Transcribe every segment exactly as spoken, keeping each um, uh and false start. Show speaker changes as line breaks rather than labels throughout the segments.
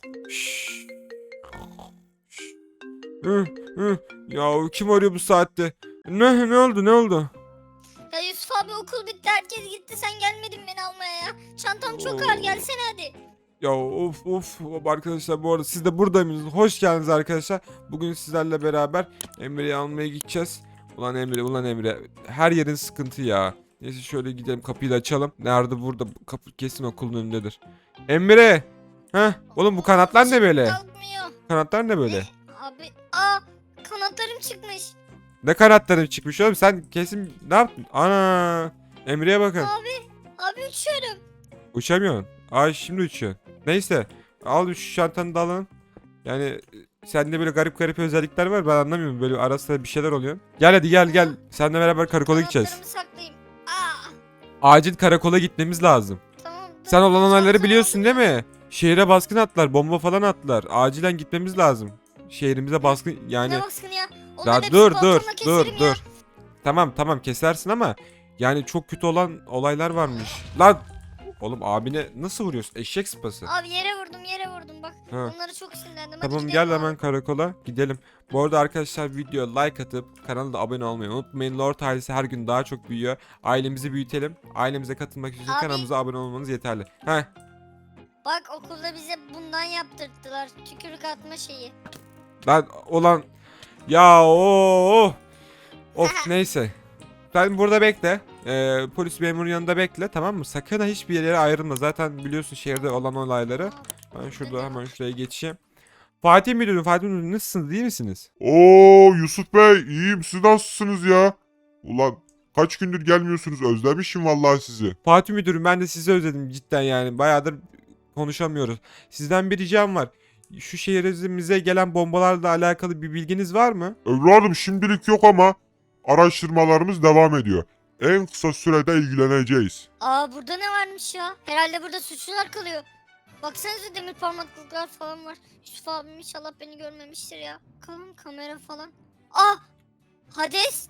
Şşş. Hı, hı. Ya kim arıyor bu saatte? Ne ne oldu ne oldu?
Ya Yusuf abi okul bitti, herkes gitti, sen gelmedin beni almaya ya. Çantam çok ağır,
Oo.
gelsene hadi.
Ya of of of arkadaşlar, bu arada siz de burada mısınız? Hoş geldiniz arkadaşlar. Bugün sizlerle beraber Emre'yi almaya gideceğiz. Ulan Emre, ulan Emre. Her yerin sıkıntı ya. Neyse şöyle gidelim, kapıyı da açalım. Nerede? Burada. Bu kapı kesin okulun önündedir. Emre! Heh, oğlum bu kanatlar ne böyle?
Kalkmıyor.
Kanatlar ne böyle?
Abi aa, kanatlarım çıkmış.
Ne kanatların çıkmış oğlum? Sen kesin ne yaptın? Ana! Emre'ye bakın.
Abi abi uçuyorum.
Uçamıyorsun. Ay şimdi uçuyorsun. Neyse. Al şu şantanı da alın. Yani e, sende böyle garip garip özellikler var, ben anlamıyorum. Böyle arasında bir şeyler oluyor. Gel hadi gel gel. Seninle beraber karakola gideceğiz.
Kanatlarımı saklayayım. Aa,
Acil karakola gitmemiz lazım.
tamam.
Sen
dur,
olan olayları
çantamı
biliyorsun
aldım.
değil mi? Şehre baskın attılar, bomba falan attılar. Acilen gitmemiz lazım. Şehrimize baskın yani.
Ne baskını ya? Onların
Ya
hepsini
dur dur
baltamla
dur
keserim ya.
dur. Tamam tamam kesersin ama yani çok kötü olan olaylar varmış. Lan oğlum abine nasıl vuruyorsun? Eşek sıpası.
Abi yere vurdum, yere vurdum bak.
Ha.
Onlara çok sinirlendim. Hadi
Tamam
gidelim
gel
abi.
hemen karakola gidelim. Bu arada arkadaşlar videoya like atıp kanala da abone olmayı unutmayın. Lord ailesi her gün daha çok büyüyor. Ailemizi büyütelim. Ailemize katılmak için
Abi.
kanalımıza abone olmanız yeterli. Heh.
Bak okulda bize bundan yaptırttılar. Tükürük atma şeyi.
Lan olan ya o of neyse. Sen burada bekle. Ee, polis memurun yanında bekle, tamam mı? Sakın ha hiçbir yere ayrılma. Zaten biliyorsun şehirde olan olayları. Ben şurada hemen şuraya geçeyim. Fatih Müdürüm, Fatih Müdürüm nasılsınız? İyi misiniz?
Oo Yusuf Bey, iyiyim, siz nasılsınız ya? Ulan kaç gündür gelmiyorsunuz, özlemişim vallahi sizi.
Fatih Müdürüm, ben de sizi özledim cidden yani. Bayağıdır konuşamıyoruz. Sizden bir ricam var. Şu şehrimize gelen bombalarla alakalı bir bilginiz var mı?
Evladım şimdilik yok ama araştırmalarımız devam ediyor. En kısa sürede ilgileneceğiz.
Aa, burada ne varmış ya? Herhalde burada suçlular kalıyor. Baksanıza, demir parmaklıklar falan var. Yusuf abim inşallah beni görmemiştir ya. Bakalım kamera falan. Ah! Hades!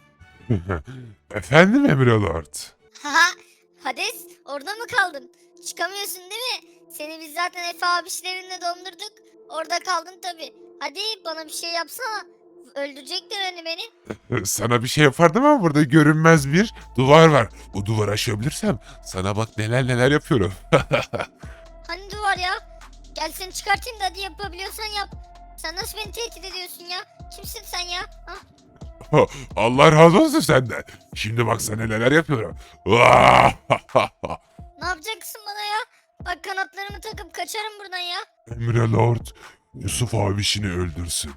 Efendim Emre Lord?
Haha! Hades, orada mı kaldın? Çıkamıyorsun değil mi? Seni biz zaten Efe abişlerinle dondurduk. Orada kaldın tabi. Hadi bana bir şey yapsana. Öldürecekler hani beni.
Sana bir şey yapardım ama burada görünmez bir duvar var. Bu duvarı aşabilirsem sana bak neler neler yapıyorum.
Hani duvar ya? Gel seni çıkartayım da hadi, yapabiliyorsan yap. Sen nasıl beni tehdit ediyorsun ya? Kimsin sen ya? Ha?
Allah razı olsun senden. Şimdi bak sana neler yapıyorum.
Ne yapacaksın bana ya? Bak, kanatlarımı takıp kaçarım buradan ya.
Emre Lord, Yusuf abisini öldürsün.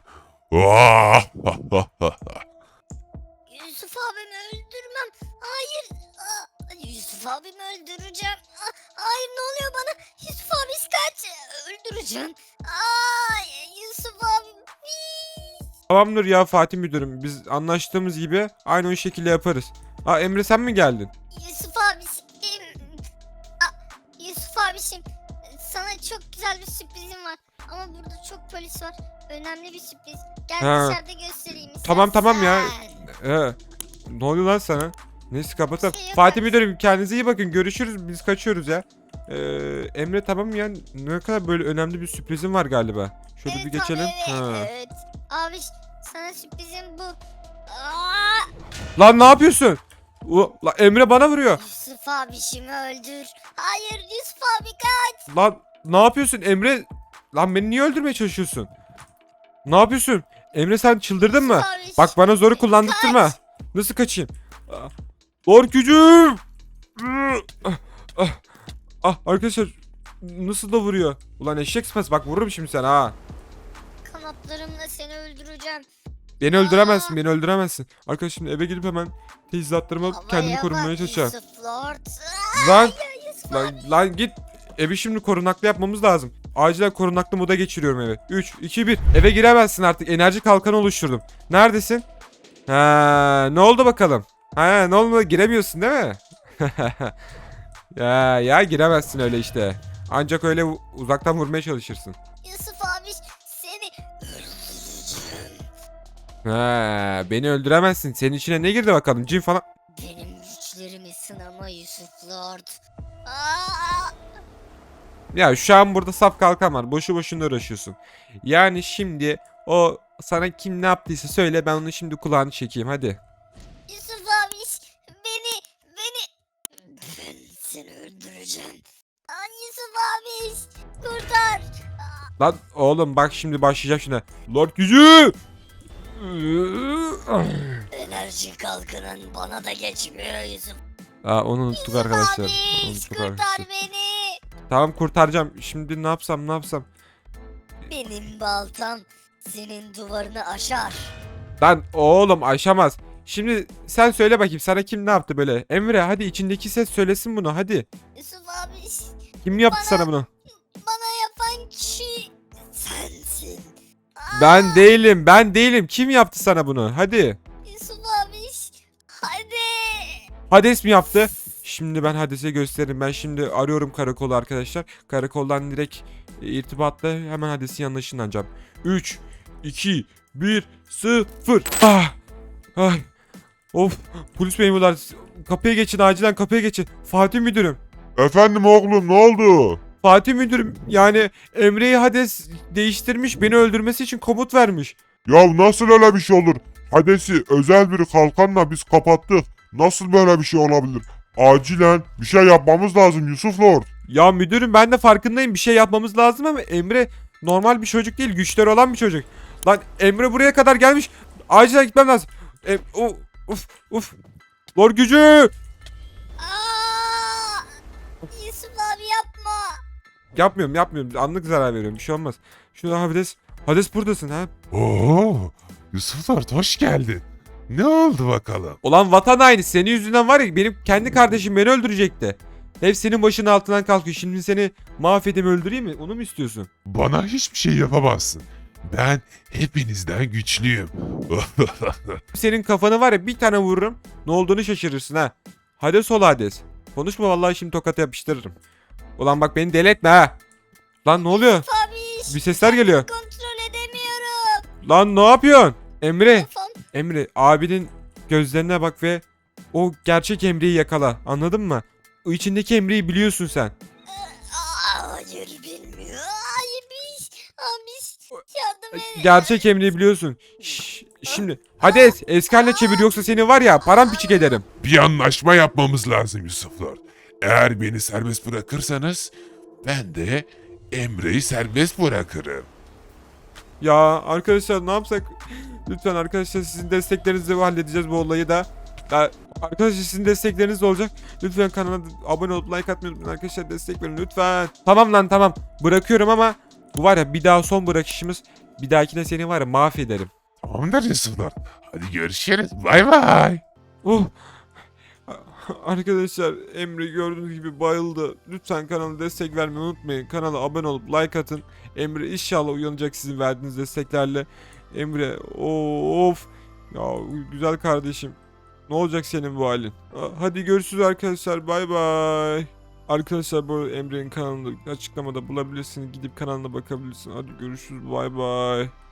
Yusuf abimi öldürmem. Hayır. Aa, Yusuf abimi öldüreceğim. Aa, hayır, ne oluyor bana? Yusuf abi kaç. Öldüreceğim. Aa, Yusuf abim.
Tamamdır ya Fatih Müdürüm. Biz anlaştığımız gibi aynı o şekilde yaparız. Aa Emre, sen mi geldin?
Yusuf abişim. Aa, Yusuf abişim. Sana çok güzel bir sürprizim var. Ama burada çok polis var. Önemli bir sürpriz. Gel
Ha.
dışarıda göstereyim.
Tamam tamam ya.
istersen.
Ee, ne oluyor lan sana? Neyse kapatalım.
Bir şey yok
Fatih
abi.
Müdürüm, kendinize iyi bakın. Görüşürüz. Biz kaçıyoruz ya. Ee, Emre tamam ya. Ne kadar böyle önemli bir sürprizim var galiba. Şöyle
Evet
bir geçelim.
abi, evet,
Ha.
evet. Abi sana sürprizim bu. Aa,
Lan ne yapıyorsun? U- La, Emre bana vuruyor.
Yusuf abişimi öldür. Hayır, Yusuf abi kaç.
Lan ne yapıyorsun Emre? Lan beni niye öldürmeye çalışıyorsun? Ne yapıyorsun? Emre sen çıldırdın mı?
Yusuf abiş,
Bak bana zoru kullandırtma.
kaç.
Nasıl kaçayım? Ah, Zor gücüm. Ah, ah, ah, arkadaşlar nasıl da vuruyor? Ulan eşek sıpası, bak vururum şimdi sen ha.
Kanatlarımla seni öldüreceğim.
Beni
Aa.
öldüremezsin, beni öldüremezsin. Arkadaşlar şimdi eve gidip hemen teçhizatlarımı alıp kendimi
Havaya
korumaya
bak
çalışacağım.
Yusuf Lord.
Lan,
Ya Yusuf
lan,
abi.
lan git. Evi şimdi korunaklı yapmamız lazım. Acilen korunaklı moda geçiriyorum eve. üç, iki, bir. Eve giremezsin artık. Enerji kalkanı oluşturdum. Neredesin? Ha, ne oldu bakalım? Ha, ne oldu? Giremiyorsun değil mi? ya ya giremezsin öyle işte. Ancak öyle u- uzaktan vurmaya çalışırsın.
Yusuf abi, seni öldüreceğim.
Ha, beni öldüremezsin. Senin içine ne girdi bakalım? Cin falan.
Benim güçlerimi sınama Yusuf Lord. Aa,
Ya şu an burada saf kalkan var. Boşu boşuna uğraşıyorsun. Yani şimdi o sana kim ne yaptıysa söyle, ben onu şimdi kulağını çekeyim hadi.
Yusuf abi beni beni ben seni öldüreceğim. Aa, Yusuf abi kurtar.
Lan oğlum bak şimdi başlayacak şuna. Lord gücü!
Enerji kalkının bana da geçmiyor Yusuf.
Aa, onu unuttuk
Yusuf
arkadaşlar.
abi
Unuttuk
kurtar
arkadaşlar.
beni.
Tamam kurtaracağım. Şimdi ne yapsam ne yapsam.
Benim baltam senin duvarını aşar.
Lan oğlum aşamaz. Şimdi sen söyle bakayım, sana kim ne yaptı böyle? Emre hadi, içindeki ses söylesin bunu hadi.
Yusuf abi
Kim yaptı
Bana-
sana bunu?
bana yapan kişi sensin. Aa,
Ben değilim, ben değilim. Kim yaptı sana bunu? Hadi.
Yusuf abi hadi.
Hades mi yaptı? Şimdi ben Hades'e gösteririm. Ben şimdi arıyorum karakolu arkadaşlar. Karakoldan direkt e, irtibatla hemen Hades'in yanına ışınlanacağım. üç, iki, bir, sıfır. Ah! Ay! Of! Polis memurlar, kapıya geçin, acilen kapıya geçin. Fatih müdürüm.
Efendim oğlum, ne oldu?
Fatih müdürüm, yani Emre'yi Hades değiştirmiş, beni öldürmesi için komut vermiş.
Ya nasıl öyle bir şey olur? Hades'i özel bir kalkanla biz kapattık. Nasıl böyle bir şey olabilir? Acilen bir şey yapmamız lazım Yusuf Lord.
Ya müdürüm, ben de farkındayım, bir şey yapmamız lazım ama Emre normal bir çocuk değil, güçleri olan bir çocuk. Lan Emre buraya kadar gelmiş, acilen gitmem lazım. Em o- uf uf. Lor gücü.
Aa, Yusuf abi yapma.
Yapmıyorum yapmıyorum, anlık zarar veriyorum, bir şey olmaz. Şurada Hades. Hades buradasın ha.
Oo, Yusuf Lord hoş geldin. Ne oldu bakalım?
Ulan vatan haini, senin yüzünden var ya, benim kendi kardeşim beni öldürecekti. Hep senin başının altından kalkıyor. Şimdi seni mahvedeyim, öldüreyim mi? Onu mu istiyorsun?
Bana hiçbir şey yapamazsın. Ben hepinizden güçlüyüm.
Senin kafanı var ya, bir tane vururum. Ne olduğunu şaşırırsın ha. Hades ol Hades. Konuşma vallahi, şimdi tokata yapıştırırım. Ulan bak beni deli etme ha. Lan ne oluyor?
Yusuf abi
Bir sesler geliyor.
kontrol edemiyorum.
Lan ne yapıyorsun? Emre.
Kafam.
Emre, abinin gözlerine bak ve o gerçek Emre'yi yakala. Anladın mı? O içindeki Emre'yi biliyorsun sen.
Aa, hayır bilmiyor. Hayır biz. Abi yardım et.
Gerçek Emre'yi biliyorsun. Şş, şimdi Hades eski haline çevir, yoksa seni var ya paramparçık ederim.
Bir anlaşma yapmamız lazım Yusuf Lord. Eğer beni serbest bırakırsanız ben de Emre'yi serbest bırakırım.
Ya arkadaşlar ne yapsak? Lütfen arkadaşlar, sizin desteklerinizle halledeceğiz bu olayı da. Ya, arkadaşlar sizin destekleriniz de olacak. Lütfen kanala abone olup like atmayı unutmayın arkadaşlar, destek verin lütfen. Tamam lan tamam, bırakıyorum ama bu var ya bir daha son bırakışımız. Bir dahakine seni var ya mahvederim.
Tamamdır Yusuf Lord. Hadi görüşürüz. Bay bay.
Oh. Arkadaşlar Emre gördüğünüz gibi bayıldı. Lütfen kanala destek vermeyi unutmayın. Kanala abone olup like atın. Emre inşallah uyanacak sizin verdiğiniz desteklerle. Emre of. Ya güzel kardeşim. Ne olacak senin bu halin? Hadi görüşürüz arkadaşlar. Bay bay. Arkadaşlar bu arada Emre'nin kanalını açıklamada bulabilirsiniz. Gidip kanalına bakabilirsiniz. Hadi görüşürüz. Bay bay.